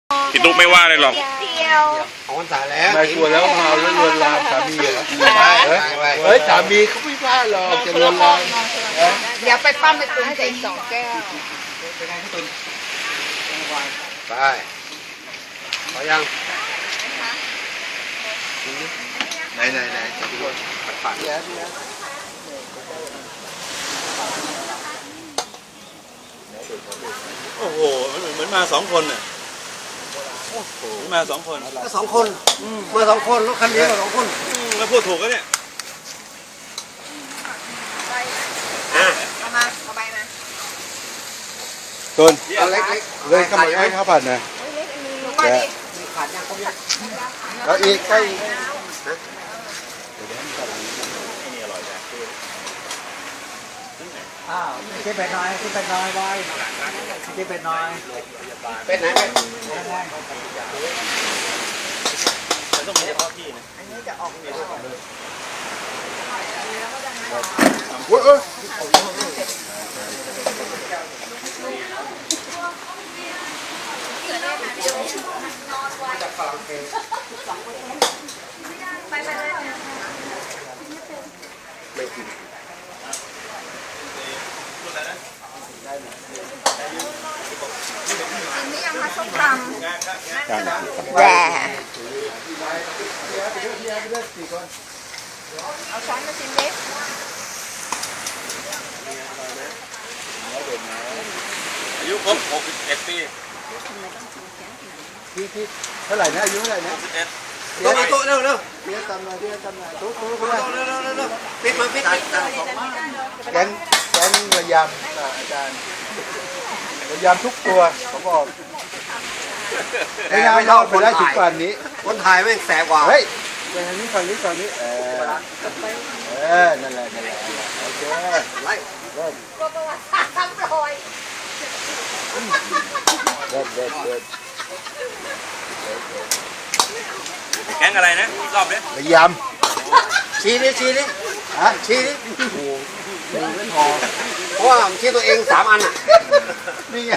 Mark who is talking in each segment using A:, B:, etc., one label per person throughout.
A: พี่ตุ๊กไม่ว่าเลยหรอก
B: ของวันสายแล้ว
C: ไม่กลัวแล้วพาแล้วลวนลามสามีเหรอเฮ้ยสามีเขาไม่ว่าหรอกจะลวนลาม
D: เดี๋ยวไปปั้มไปตุนให้ใส่2 แก้ว
B: ไปพอยังไหนจะดูผ่าน
C: โอ้โหเหมือนมา2 คนน่ะเหมือนมา2 คน
B: ก็2 คนมา2 คนรถคันนี้ก็2 คน
C: แล้วพูดถูกก็เนี่ย
D: เอามาเอาใบมา
C: ต้น
B: เอาเล็ก
C: เลยก็มาให้ข้าวผัดนะ
D: ก็ดิ
B: ขาดยังครบยัง
C: แล้วอีกใกล้
E: คิดเป็ดน้อยคิดเป็ดน้อยบอยคิดเป็ดน้อย
B: เป็นไหนเป็น
C: ต้องมีเฉพาะที่นะ
B: โอ้ยจากฝรั่งเศสไม่กิน
D: อันนี้ยังมาส้มตำแหวเอาช้อนมาชิมดิ
A: อายุครบ61 ปี
C: พี่เท่าไหร่นะอายุเท่าไหร่นะ
A: 61
B: โต๊ะเร็ว
C: เดี๋ยวจำหน่อยตุ๊ก
B: เร็วปิดมาปิด
C: แกงระยำอาจารย์ระยำทุกตัวเขาบอกไม่น่ารอดไปได้ถึงป่านนี้
B: คนถ่ายแม่งแสบกว่า
C: เฮ้ยไปทางนี้ฝั่งนี้นั่นแหละโอเค
B: ไล่
C: เริ่ม
D: ตัวประวัติศาสตร์ซ้ำรอย
C: เริ่ม
A: แก๊งอะไรนะอีกรอบดิ
C: ระย
B: ชี้ดิ
C: ำฮะ
B: ชี้ดิ
C: โอ้โหไม่พอ
B: เพราะว่าชี้ตัวเอง3 อันอ่ะ
C: นี่ไง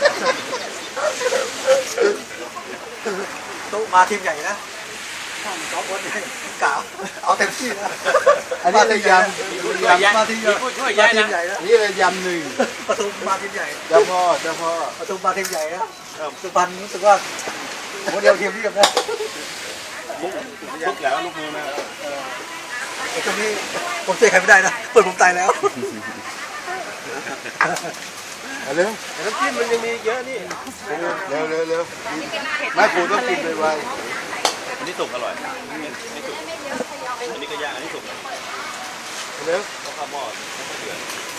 E: ตู้มาทีมใหญ่นะ2 คนกล่าวเอาเต็มที่นะ
C: อันนี้ระยำ
E: มาทีมใหญ่
A: ผู้ช่วยย้ายนะ
E: ใหญ่นะ
C: อันนี้ระยำหนึ่ง
E: ประตูมาทีมใหญ่
C: เจ้าพ่อ
E: ประตูมาทีมใหญ่นะสุพรรณรู้สึกว่าโมเดลทีมนี้กับนะ
A: ลุกแล้วลุกมือมา
E: ไอ้ตรงนี้ผมช่วยใครไม่ได้นะเปิดผมตายแล้ว
C: เอาเร็ว
B: แต่น้ำจิ้มมันยังมีเยอะนี่
C: เร็วไม่ปูต้องกินไปไว
A: อันนี้สุกอร่อยอันนี้สุกอันนี้ก็ย่างอันนี้สุก
C: เร็ว
A: ต้องข้าวหม้อต้องเดือด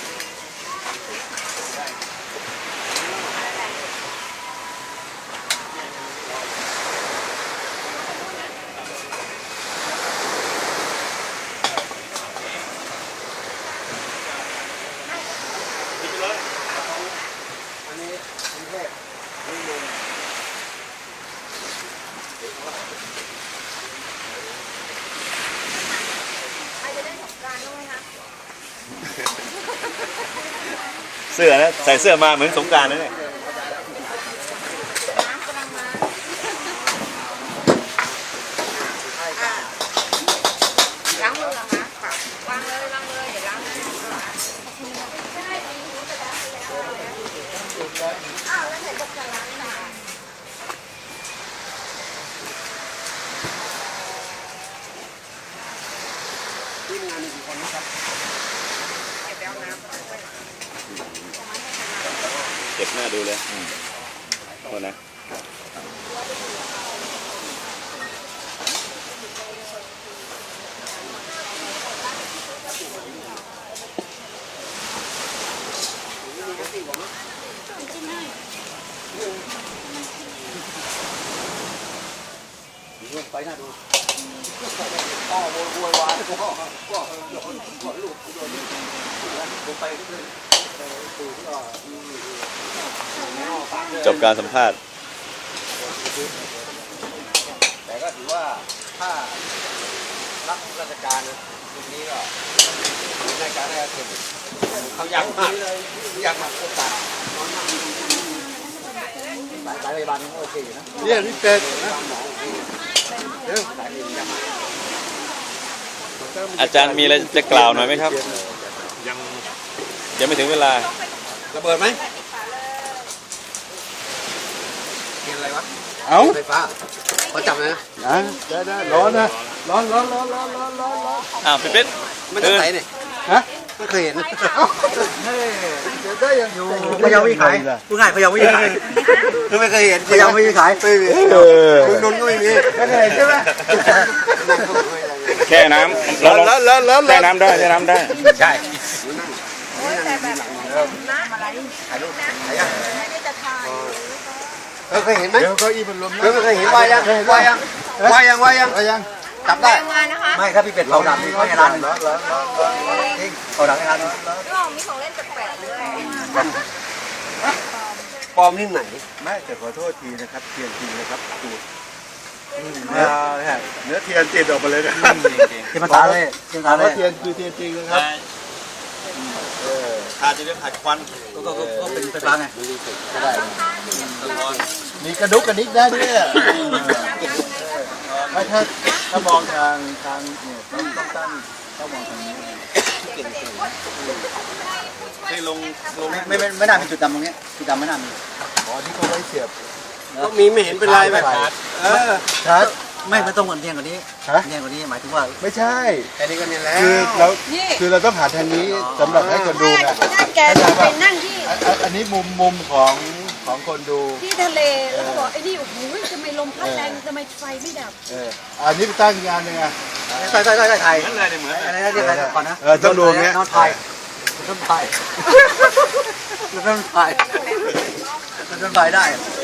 B: อันนี้กรุงเทพนี่นม
D: ใครจะได้สงกรานต์ด้วยคะ
A: เสื้อนะใส่เสื้อมาเหมือนสงกรานต์นะเนี่ย
D: น้ำกำลังมาล้างมือเหรอคะวางเลยล้างเลยเดี๋ยวล้างให้อ้าวแล้วไหนบอกจะล้างล่ะ
B: ที่งานมีกี่คนนะครับ
D: เก็บแล้วน้ำ
A: เจ็บหน้าดูเลยโทษนะ
B: ไปน่าดูพ่อโวยวายพ่อโดนลูกโดนผมไปก็เลยดูก็
A: จบการสัมภาษณ์
B: แต่ก็ถือว่าถ้ารับราชการตรงนี้ก็ในการได้เก็บเขาอยากมาโอกาส
E: สายพยาบาลโอเคอยู่นะ
C: เนี่ยนี่เป็ดนะเดี๋ยว
A: อาจารย์มีอะไรจะกล่าวหน่อยไหมครับ ยังไม่ถึงเวลา
B: ระเบิดไหมเกินอะไรวะ
C: เอา
B: ไฟฟ้าขอจับนะ
C: ได้ร้อนนะร้อน
A: อ้าวพี่เป็ด
B: ไม่ต้องใส่เนี่ย
C: ฮะ
B: ไม่เคยเห็น
C: เดี๋ยวได้ยังอยู่
E: พยาวิขายผู้ง่ายพยาวิขาย
B: ไม่เคยเห็น
E: พยาวิขาย
B: ไม่มีลุงนนท์ก็ไม่มี
C: ไม่เคยเห็นใช่ไหม
A: แช่น้ำเราลองแช่น้ำได้แช่น้ำได้
B: ใช่
D: แต่แบบนะอะไรถ่ายรูปนะไม่ได้จะถ่าย
B: เคยเห็นไหม
C: เดี๋ยวก็อีมันลม
B: เคยเห็นวายังวายังจับได้
D: งานนะคะ
E: ไม่ครับพี่เป็ดเผาดังนี่เขาในร้านจริงเผาดังในร้าน
D: ก็มีของเล่นแปลกๆด้วย
B: ปลอมที่ไหน
C: ไม่แต่ขอโทษทีนะครับเทียนจริงนะครับดูเนื้อเทียนติดออกมาเลยนะ
E: ที่มันตาเลยที่มันตาเลย
C: เทียนคือเทียนจริงนะครับ
A: ขาดจะเรียกขาดควัน
E: ก็เป็นไฟฟ้าไง
C: มีกระดุกกระดิกได้ด้วยไม่ถ้ามองทางเนี่ยต้องตั้งต้องมองทางนี้
A: ให้ลง
E: ไม่น่ามีจุดดำตรงนี้จุดดำไม่น่ามี
C: อ๋อที่เขาไว้เสียบ
B: ก็มีไม่เห็นเป็นไรไหม
C: ชาร์จ
E: ไม่ต้องเหมือนเทียงกว่านี้
C: ฮะ
E: เทียงกว่านี้หมายถึงว่า
C: ไม่ใช่
B: แค่นี้ก็เนี่ยแล้ว
C: คือเราต้องหาทางนี้สำหรับให้คนดูไง
D: นั่นแกไปนั่งที่
C: อันนี้มุมของคนดู
D: ที่ทะเลแล้วก็บอกไอ้นี่โอ้โหทำไมลมพัดแรงทำไมไฟไม่ดับ
C: อันนี้ไปตั้งงานยังไง
E: ใช่ไทย
A: นั่นเลยเหมือน
E: อะไรนะเรียกอะไรก่อนนะ
C: ต้องดูเนี้ย
E: น้องไทยน้องไทยน้องไทยน้องไทยได้